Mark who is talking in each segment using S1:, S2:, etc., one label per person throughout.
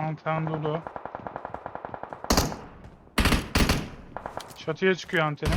S1: Anten dolu. Çatıya çıkıyor antenin.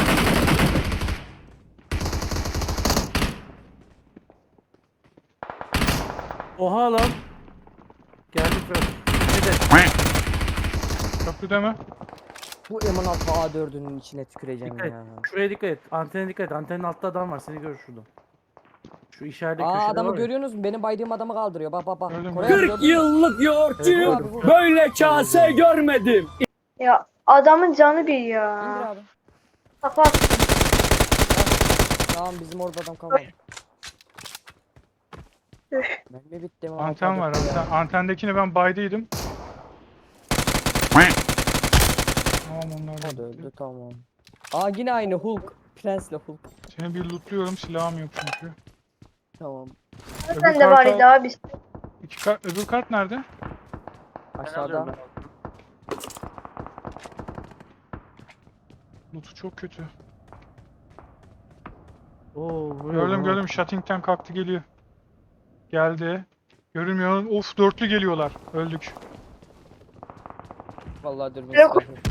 S2: Oha lan. Geldi Fırat. Hadi.
S1: Köprüde mi?
S3: Bu M16 A4'ünün içine tüküreceğim
S2: Dikkat et.
S3: ya.
S2: Şuraya dikkat et. Antene dikkat et. Antenin altta adam var. Seni görür şurada. Şu işaretli
S3: Aa
S2: köşede
S3: adamı
S2: var ya.
S3: görüyorsunuz mu? Benim baydığım adamı kaldırıyor. Bak bak bak.
S1: Gördüm,
S3: Koray
S1: gördüm.
S3: abi
S4: 40
S3: gördün mü?
S4: yıllık yoğurtçuyum.
S3: Evet, abi,
S4: Böyle kase görmedim.
S5: Ya adamın canı bir
S3: İndir
S5: ya.
S3: abi.
S5: Kapat.
S3: Tamam bizim orada adam kalmadı.
S5: Üf.
S3: Mermi bitti mi?
S1: Anten var.
S3: Ya.
S1: Antendekini ben baydıydım. Tamam onlar
S3: O da
S1: da
S3: öldü
S1: gitti.
S3: tamam. Aa yine aynı Hulk. Prensle Hulk.
S1: Seni bir lootluyorum. Silahım yok çünkü.
S3: Tamam.
S5: Sen de var idi abi.
S1: Öbür kart nerede?
S2: Ben
S3: Aşağıda.
S2: alıyorum ben.
S1: Loot'u çok kötü.
S2: Oo, vuruyor
S1: Gördüm
S2: bana.
S1: gördüm. Shutting'den kalktı geliyor. Geldi. Görünmüyor. Of dörtlü geliyorlar. Öldük.
S3: Vallahi dürbün
S5: Yok.
S3: silahı.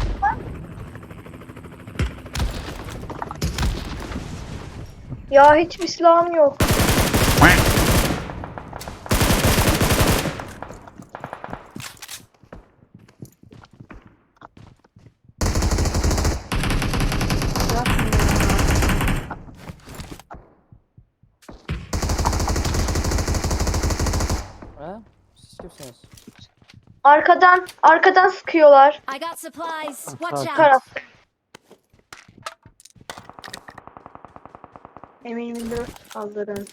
S5: Ya hiçbir silahım yok.
S3: Ha? Siz kimsiniz?
S5: Arkadan sıkıyorlar.
S6: I got supplies. Watch
S2: Tamam.
S6: out.
S5: Taraf. M24 kaldırın.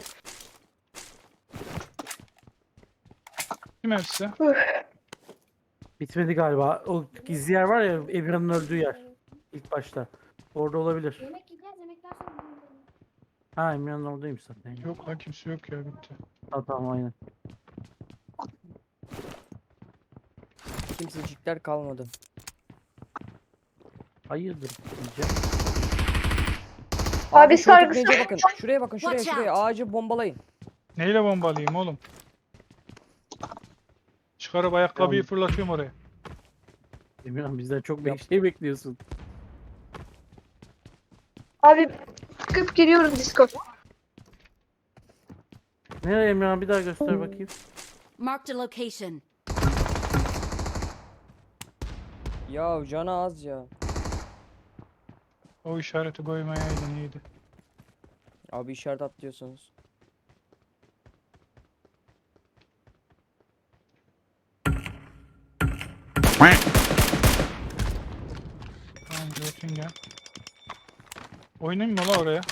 S1: Kim hepsi?
S2: Bitmedi galiba. O gizli yer var ya, Emirhan'ın öldüğü yer. İlk başta. Orada olabilir.
S6: Yemek yiyeceğiz. Yemekten sonra gidelim.
S2: Ha, Emirhan'ın oradaymış zaten.
S1: Yok lan kimse yok ya bitti.
S2: Ha, tamam aynen.
S3: Kimsecikler kalmadı.
S2: Hayırdır diyeceğim.
S5: Abi
S3: şu
S5: sargısı-
S3: tepeye bakın. Şuraya bakın şuraya
S6: Watch
S3: şuraya. Ağacı bombalayın.
S1: Neyle bombalayayım oğlum? Çıkarıp ayakkabıyı
S2: Tamam.
S1: fırlatıyorum oraya.
S2: Emirhan bizden çok
S3: Yap.
S2: şey bekliyorsun.
S5: Abi çıkıp giriyoruz Discord.
S2: Nereye Emirhan, bir daha göster bakayım.
S6: Marked a location.
S3: Ya canı az ya.
S1: O işareti koymayaydın iyiydi.
S3: Abi işaret atlıyorsunuz.
S1: Tamam Göttingen. Oynayayım mı la oraya?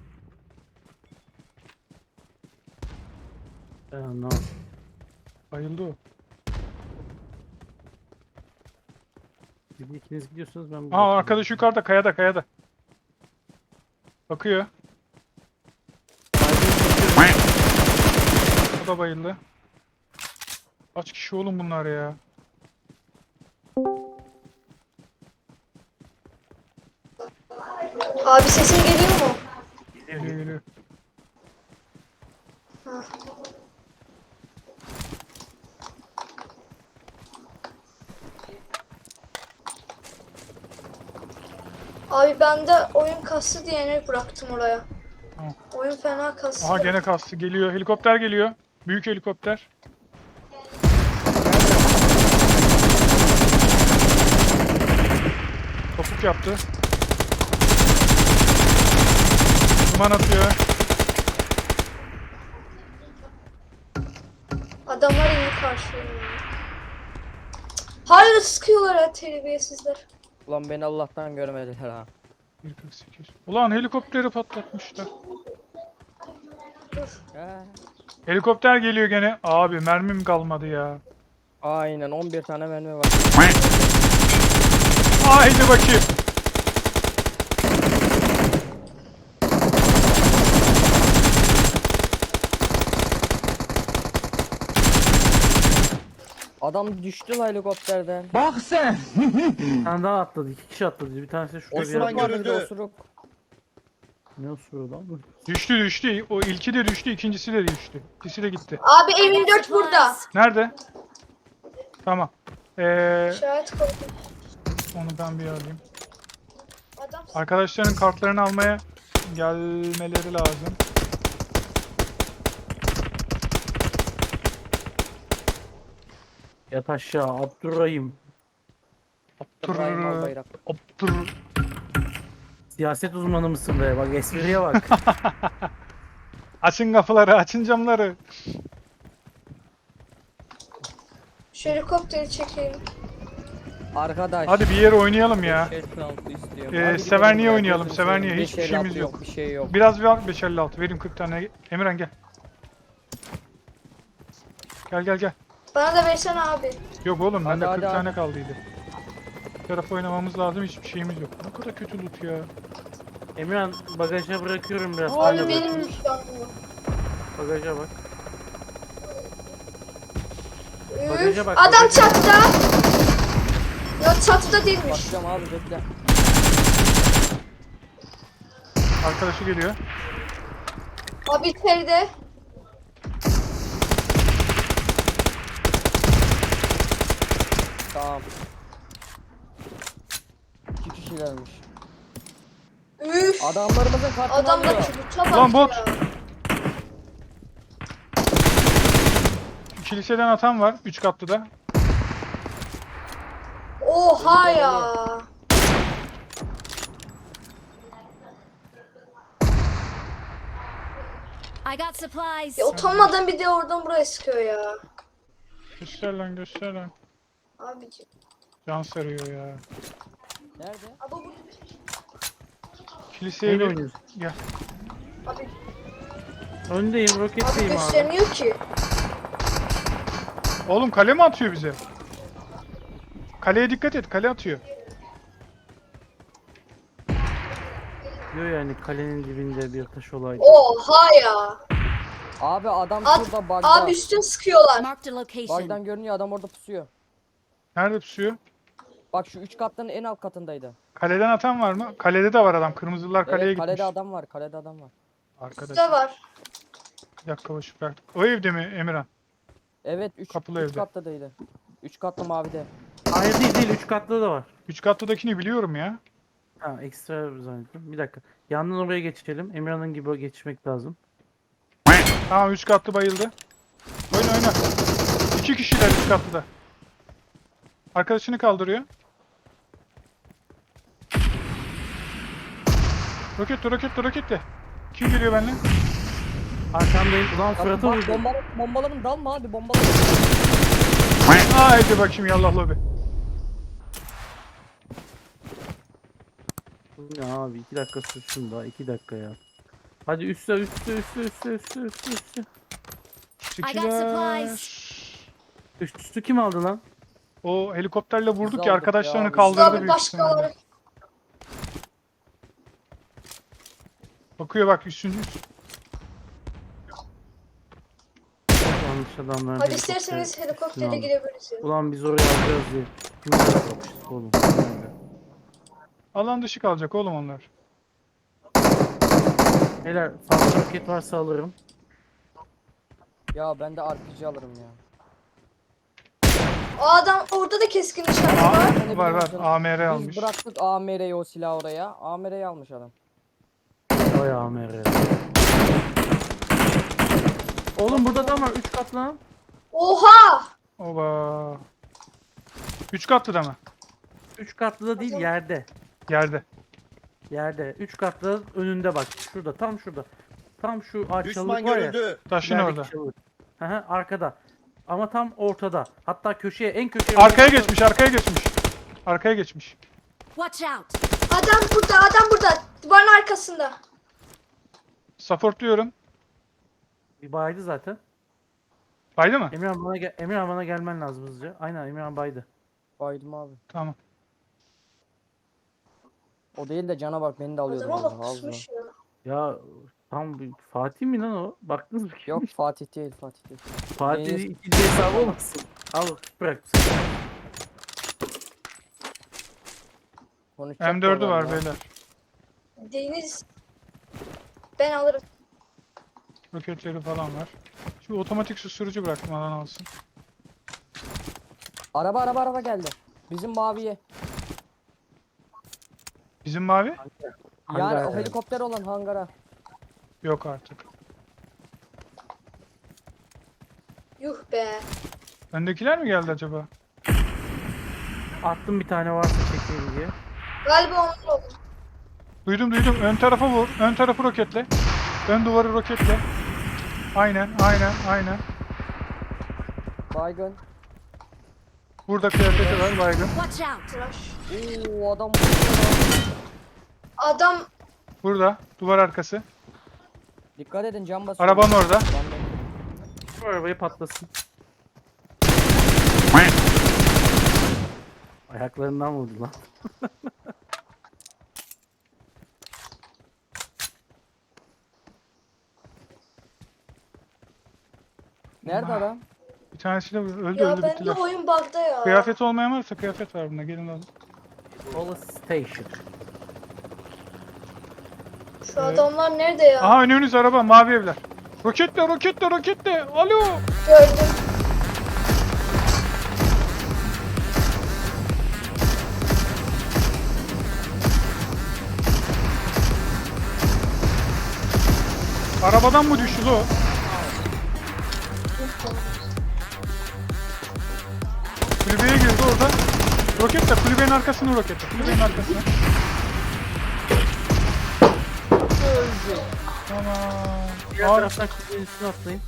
S2: Ben anlamadım.
S1: Bayıldı o.
S2: Siz ikiniz gidiyorsunuz, ben
S1: Aa arkadaş yukarıda kayada. Bakıyor. O da bayıldı. Kaç kişi oğlum bunlar ya?
S5: Abi sesin geliyor mu?
S1: Geliyor.
S5: Abi ben de oyun kastı diyerek bıraktım oraya.
S1: Tamam.
S5: Oyun fena kastı.
S1: Aha gene kastı geliyor. Helikopter geliyor. Büyük helikopter. Topuk yaptı. Duman atıyor.
S5: Adamlar indi karşıya. Hala sıkıyorlar ya terbiyesizler.
S3: Ulan beni Allah'tan görmediler ha.
S1: 1.48. Ulan helikopteri patlatmışlar.
S3: Ha.
S1: Helikopter geliyor gene. Abi mermim kalmadı ya.
S3: Aynen 11 tane mermi var.
S1: Haydi bakayım.
S3: Adam düştü la helikopterden.
S4: Bak sen.
S2: Bir tane daha atladı. 2 kişi atladı. Bir tanesi şurada bir
S3: Osuruk
S2: yerde.
S3: vardı bir de osuruk.
S2: Ne osuruyor lan bu?
S1: Düştü. O ilki de düştü, ikincisi de düştü. İkisi de gitti.
S5: Abi
S6: I got
S5: M24 burada.
S6: supplies.
S1: Nerede? Tamam.
S5: İşaret koydum.
S1: Onu ben bir alayım.
S5: Adam
S1: Arkadaşların kartlarını almaya gelmeleri lazım.
S2: Yat aşağı Abdurrahim.
S3: İbrahim
S1: Tırrrr,
S3: Albayrak.
S1: tırrrr.
S2: Siyaset uzmanı mısın be? Bak espriye bak.
S1: Açın kapıları, açın camları.
S5: şu helikopteri çekeyim.
S3: Arkadaş.
S1: Hadi bir yere oynayalım ya.
S3: 556 istiyorum.
S1: Ee,
S3: Hadi
S1: Severniye
S3: gidelim ya,
S1: oynayalım,
S3: gözünü
S1: Severniye.
S3: seveyim.
S1: Hiçbir
S3: 556
S1: şeyimiz yok.
S3: Bir şey yok.
S1: Biraz var 556. Vereyim 40 tane. Emirhan gel. Gel gel gel.
S5: Bana da versene abi.
S1: Yok oğlum bende
S3: Hadi,
S1: 40
S3: hadi,
S1: tane kaldıydı. Bir taraf oynamamız lazım, hiçbir şeyimiz yok. Ne kadar kötü loot ya.
S2: Emirhan bagaja bırakıyorum biraz.
S5: Abi
S2: Hala
S5: benim
S2: bırakıyorum.
S5: müşterim.
S2: Bagaja bak.
S5: Üf,
S2: Bagaja bak,
S5: adam
S2: bagaja.
S5: çatıda. Yok çatıda değilmiş.
S3: Bakacağım abi bekle.
S1: Arkadaşı geliyor.
S5: Abi içeride.
S3: Tamam. 2 kişilermiş.
S5: Üf.
S3: Adamlarımızın kartını
S5: Adam da
S3: alıyor.
S5: çubukla bak
S1: Ulan bot.
S5: ya.
S1: Kiliseden atan var 3 katlı da.
S5: Oha ya.
S6: I got supplies.
S5: Ya utanmadan bir de oradan buraya sıkıyor ya.
S1: Göster lan, göster lan.
S5: Abicim.
S1: Can sarıyor ya.
S3: Nerede?
S5: Abi bu.
S1: Kiliseye
S2: Neyle
S1: bir
S2: oynuyorsun?
S1: gel.
S5: Abi,
S2: Öndeyim,
S5: abi
S2: roketteyim abi.
S5: göstermiyor ki.
S1: Oğlum kale mi atıyor bize? Kaleye dikkat et, kale atıyor.
S2: Diyor yani kalenin dibinde bir taş olaydı.
S5: Oha ya.
S3: Abi adam
S5: At-
S3: şurada bug'da.
S5: Abi üstüne sıkıyorlar.
S6: Marked a location.
S3: Bug'dan görünüyor adam orada pusuyor.
S1: Nerede pusuyor?
S3: Bak şu 3 katların en alt katındaydı.
S1: Kaleden atan var mı? Kalede de var adam. Kırmızılar kaleye
S3: Evet
S1: gitmiş.
S3: kalede adam var. Kalede adam var.
S1: Arkadaş.
S5: Üstte var.
S1: Bir dakika boş ver. O evde mi Emirhan?
S3: Evet 3
S1: Kapılı evde.
S3: kattadaydı. 3 katlı mavide.
S2: Hayır değil 3 katlı da var.
S1: 3 katlıdakini biliyorum ya.
S2: Ha ekstra zannettim. Bir dakika. Yandan oraya geçelim. Emirhan'ın gibi geçmek lazım.
S1: Tamam 3 katlı bayıldı. Oyna oyna. 2 kişiler 3 katlıda. Arkadaşını kaldırıyor. Roketle. Kim geliyor benimle?
S2: Arkamdayım. Ulan
S3: Abi
S2: Fırat'a
S3: bak
S2: vurdu.
S3: bombaların dalma hadi bombaların.
S1: Haydi bakayım yallah lobi.
S2: Bu ne abi 2 dakika sürsün daha 2 dakika ya. Hadi üstte.
S6: I got supplies.
S2: Üstü kim aldı lan?
S1: O helikopterle vurduk
S3: Biz
S1: ya,
S3: aldık
S1: arkadaşlarını
S3: ya, biz
S1: kaldırdı
S5: Abi
S1: büyük ihtimalle.
S5: başkaları.
S1: Bakıyor bak üçüncü.
S2: Yanlış adamlar.
S5: Hadi isterseniz helikoptere girebiliriz. ya.
S2: Ulan biz oraya alacağız diye. Kimler yapmışız oğlum? Nerede?
S1: Alan dışı kalacak oğlum onlar.
S2: Beyler fazla roket varsa alırım.
S3: Ya ben de RPG alırım ya.
S5: O adam orada da keskin nişancı var.
S1: Var AMR
S3: Biz
S1: almış.
S3: bıraktık AMR'yi o silahı oraya. AMR'yi almış adam.
S2: Vay AMR. Oğlum burada adam var 3 katlı lan.
S5: Oha!
S1: Oba. 3 katlıda mı?
S2: 3 katlı da değil yerde.
S1: Yerde.
S2: Yerde. 3 katlı önünde bak. Şurada tam şurada. Tam şu
S7: Düşman
S2: çalılık var ya.
S7: görüldü.
S1: Taşın
S2: ilerideki
S1: orada.
S2: çalılık. Hı hı, arkada. Ama tam ortada. Hatta köşeye en köşeye.
S1: Arkaya geçmiş.
S6: Watch out.
S5: Adam burada. Duvarın arkasında.
S1: Supportluyorum.
S2: Bir baydı zaten.
S1: Baydı mı?
S2: Emirhan bana gelmen lazım hızlıca. Aynen Emirhan baydı.
S3: Baydım abi.
S1: Tamam.
S3: O değil de cana bak beni de alıyordu
S5: Adama
S3: vallahi
S5: bak
S3: ağzına.
S5: kusmuş ya.
S2: Ya tam bir Fatih mi lan o? Baktınız mı?
S3: Yok Fatih değil.
S2: Fatih
S3: Deniz-
S2: ikinci hesabı olmasın. Al bırak.
S3: Konuşacak
S1: M4'ü
S3: da
S1: var
S3: ya.
S1: beyler.
S5: Deniz. Ben alırım.
S1: Roketleri falan var. Şu otomatik susturucu bıraktım, alan alsın.
S3: Araba geldi. Bizim maviye.
S1: Bizim mavi?
S3: Yani
S2: Hangar
S3: o helikopter olan hangara.
S1: Yok artık.
S5: Yuh be.
S1: Öndekiler mi geldi acaba?
S2: Attım bir tane varsa çekeyim diye.
S5: Galiba onlar oldu.
S1: Duydum. Ön tarafa vur. Ön tarafı roketle. Ön duvarı roketle. Aynen.
S3: Baygın.
S1: Burada kıyafeti var baygın.
S6: Watch out!
S5: Tıraş.
S3: Oo adam.
S5: Adam
S1: Burada. Duvar arkası.
S3: Dikkat edin cam basıyor.
S1: Arabanın orada.
S3: Ben de-
S2: Şu arabayı patlasın. Ayaklarından vurdu lan.
S3: Nerede adam?
S1: Bir tanesi de öldü
S5: ya
S1: öldü
S5: bende
S1: bittiler.
S5: oyun bug'da ya.
S1: Kıyafet olmayan varsa kıyafet var bunda. Gelin alın.
S2: Police Station.
S5: Şu adamlar nerede ya?
S1: Aha önünüz araba mavi evler. Roketle. Alo.
S5: Gördüm.
S1: Arabadan mı düştü o? Kulübeye girdi orada. Roketle kulübenin arkasını roketle. Kulübenin arkasına. Tamam.
S2: Diğer
S1: Abi,
S2: taraftan kuzeyin üstüne atlayın.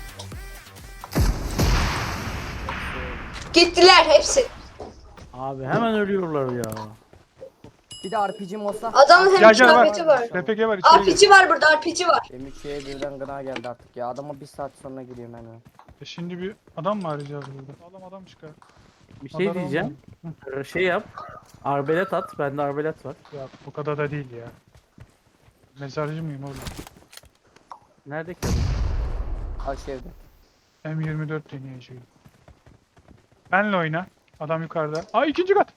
S5: Gittiler hepsi.
S2: Abi hemen ölüyorlar ya.
S3: Bir de RPG olsa.
S5: Adamın hem
S1: Gel gel
S5: kıyafeti var.
S1: RPG var içeri gir.
S5: RPG var burada, RPG var.
S3: M3'ye birden gına geldi artık ya. Adama bir saat sonra giriyorum hemen.
S1: Şimdi bir adam mı arayacağız burada? Adam çıkar.
S2: Bir şey
S1: Adam
S2: diyeceğim. Şey yap. Arbelet at. Bende arbelet var.
S1: Ya bu kadar da değil ya. Mezarcı mıyım oğlum?
S2: Nerede ki adam?
S3: Aşevde.
S1: M24 deneyeceğim. Benle oyna. Adam yukarıda. Aa ikinci kat.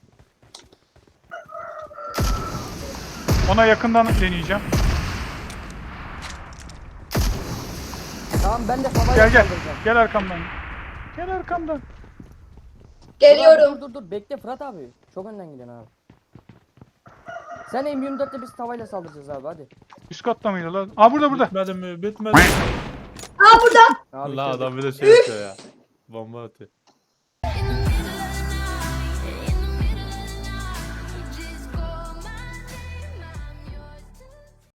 S1: Ona yakından deneyeceğim.
S3: Tamam ben de havaya
S1: Gel.
S3: saldıracağım.
S1: Gel arkamdan. Gel arkamdan.
S5: Geliyorum.
S3: Dur bekle Fırat abi. Çok önden gidiyorsun abi. Sen M24'le biz tavayla saldıracağız abi hadi.
S1: Üst katta mıydı lan? Aa burada.
S7: Bitmedi mi? Bitmedi.
S5: Aa burada.
S3: Abi
S7: La
S3: bitirdik.
S7: adam bir de şey yapıyor ya. Bomba atıyor.